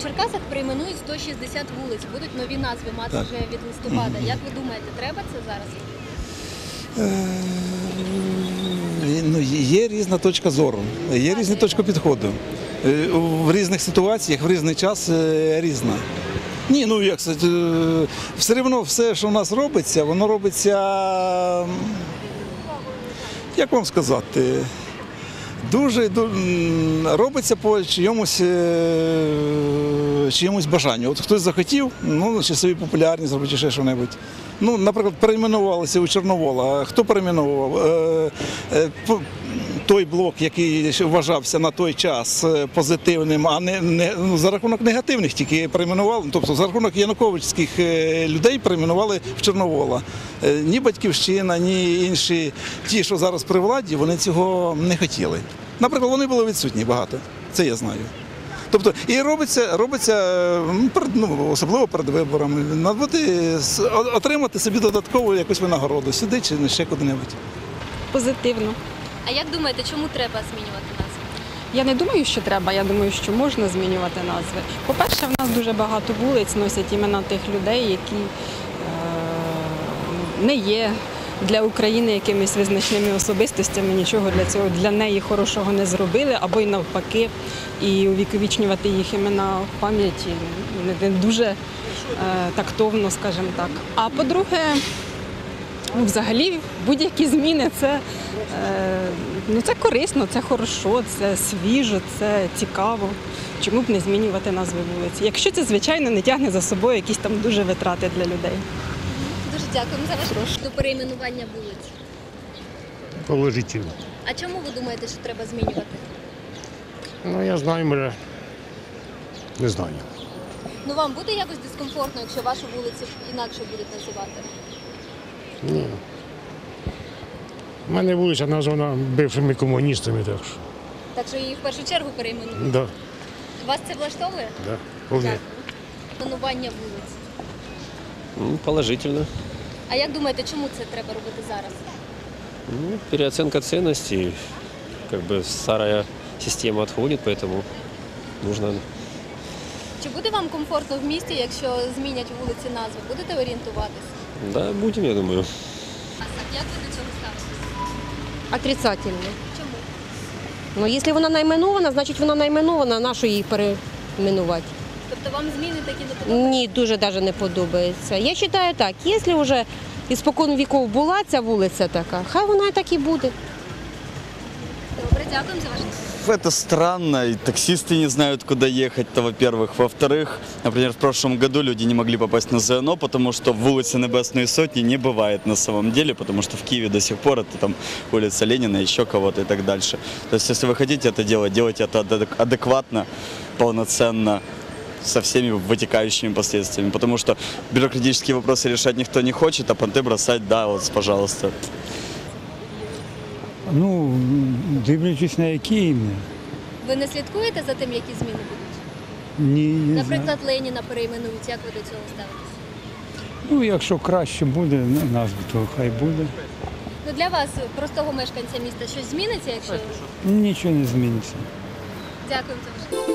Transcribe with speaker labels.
Speaker 1: В Черкасах перейменують 160 вулиць, будуть нові назви мати
Speaker 2: Так.
Speaker 1: вже від листопада. Як ви думаєте, треба це зараз?
Speaker 2: Ну, є різна точка зору, є різні точки підходу. В різних ситуаціях, в різний час різна. Ні, ну як це, все одно все, що в нас робиться, воно робиться, як вам сказати, робиться по чиємусь бажанню. От хтось захотів, ну, чи собі популярність зробити, чи ще що-небудь. Ну, наприклад, перейменувалися у Чорновола. Хто перейменував? Той блок, який вважався на той час позитивним, а не за рахунок негативних тільки перейменували, тобто за рахунок януковичських людей перейменували в Чорновола. Ні Батьківщина, ні інші, ті, що зараз при владі, вони цього не хотіли. Наприклад, вони були відсутні багато, це я знаю. Тобто, і робиться особливо перед виборами, отримати собі додаткову якусь винагороду, сюди чи ще куди-небудь.
Speaker 3: Позитивно.
Speaker 1: А як думаєте, чому треба змінювати назви?
Speaker 3: Я не думаю, що треба, я думаю, що можна змінювати назви. По-перше, в нас дуже багато вулиць носять імена тих людей, які не є для України якимись визначними особистостями, нічого для цього, для неї хорошого не зробили, або й навпаки, і увіковічнювати їх імена в пам'яті не дуже тактовно, скажімо так. А по-друге, взагалі будь-які зміни це корисно, це хорошо, це свіжо, це цікаво. Чому б не змінювати назви вулиці? Якщо це, звичайно, не тягне за собою якісь там дуже витрати для людей.
Speaker 1: Дуже дякуємо за ваш до перейменування вулиць.
Speaker 4: Положительно.
Speaker 1: А чому ви думаєте, що треба змінювати?
Speaker 4: Ну, я знаю, може, не знаю.
Speaker 1: Ну вам буде якось дискомфортно, якщо вашу вулицю інакше будуть називати?
Speaker 4: Ні. У мене вулиця названа бившими комуністами, так що.
Speaker 1: Так що її в першу чергу перейменують?
Speaker 4: Да,
Speaker 1: Вас це влаштовує?
Speaker 4: да, вполне.
Speaker 1: Перейменування вулиць.
Speaker 5: Положительно.
Speaker 1: А як думаєте, чому це треба робити зараз?
Speaker 5: Переоценка ценностей. Как бы старая система отходит, поэтому нужно.
Speaker 1: Чи буде вам комфортно в місті, якщо змінять вулиці назви? Будете орієнтуватись?
Speaker 5: Да, будем, я думаю.
Speaker 1: А як ви до цього ставитесь?
Speaker 6: Отрицательно.
Speaker 1: Чому?
Speaker 6: Ну, якщо вона найменована, значить вона найменована, на що її перейменувати?
Speaker 1: Тобто вам зміни такі не подобаються?
Speaker 6: Ні, дуже навіть не подобається. Я вважаю так, якщо вже із-спокон віков була ця вулиця така, хай вона і так і буде.
Speaker 1: Добре, дякуємо за ваш.
Speaker 7: Это странно, и таксисты не знают, куда ехать-то, во-первых. Во-вторых, например, в прошлом году люди не могли попасть на ЗНО, потому что в улице Небесной Сотни не бывает на самом деле, потому что в Киеве до сих пор это там улица Ленина, еще кого-то и так дальше. То есть, если вы хотите это делать, делайте это адекватно, полноценно, со всеми вытекающими последствиями, потому что бюрократические вопросы решать никто не хочет, а понты бросать, да, вот, пожалуйста.
Speaker 8: Ну, дивлячись на які ім'я.
Speaker 1: Ви не слідкуєте за тим, які зміни будуть?
Speaker 8: Ні, не
Speaker 1: Наприклад,
Speaker 8: знаю.
Speaker 1: Леніна перейменують. Як ви до цього ставитесь?
Speaker 8: Ну, якщо краще буде назва, то хай буде.
Speaker 1: Ну, для вас, простого мешканця міста, щось зміниться, якщо...
Speaker 8: Нічого не зміниться.
Speaker 1: Дякуємо за ваш.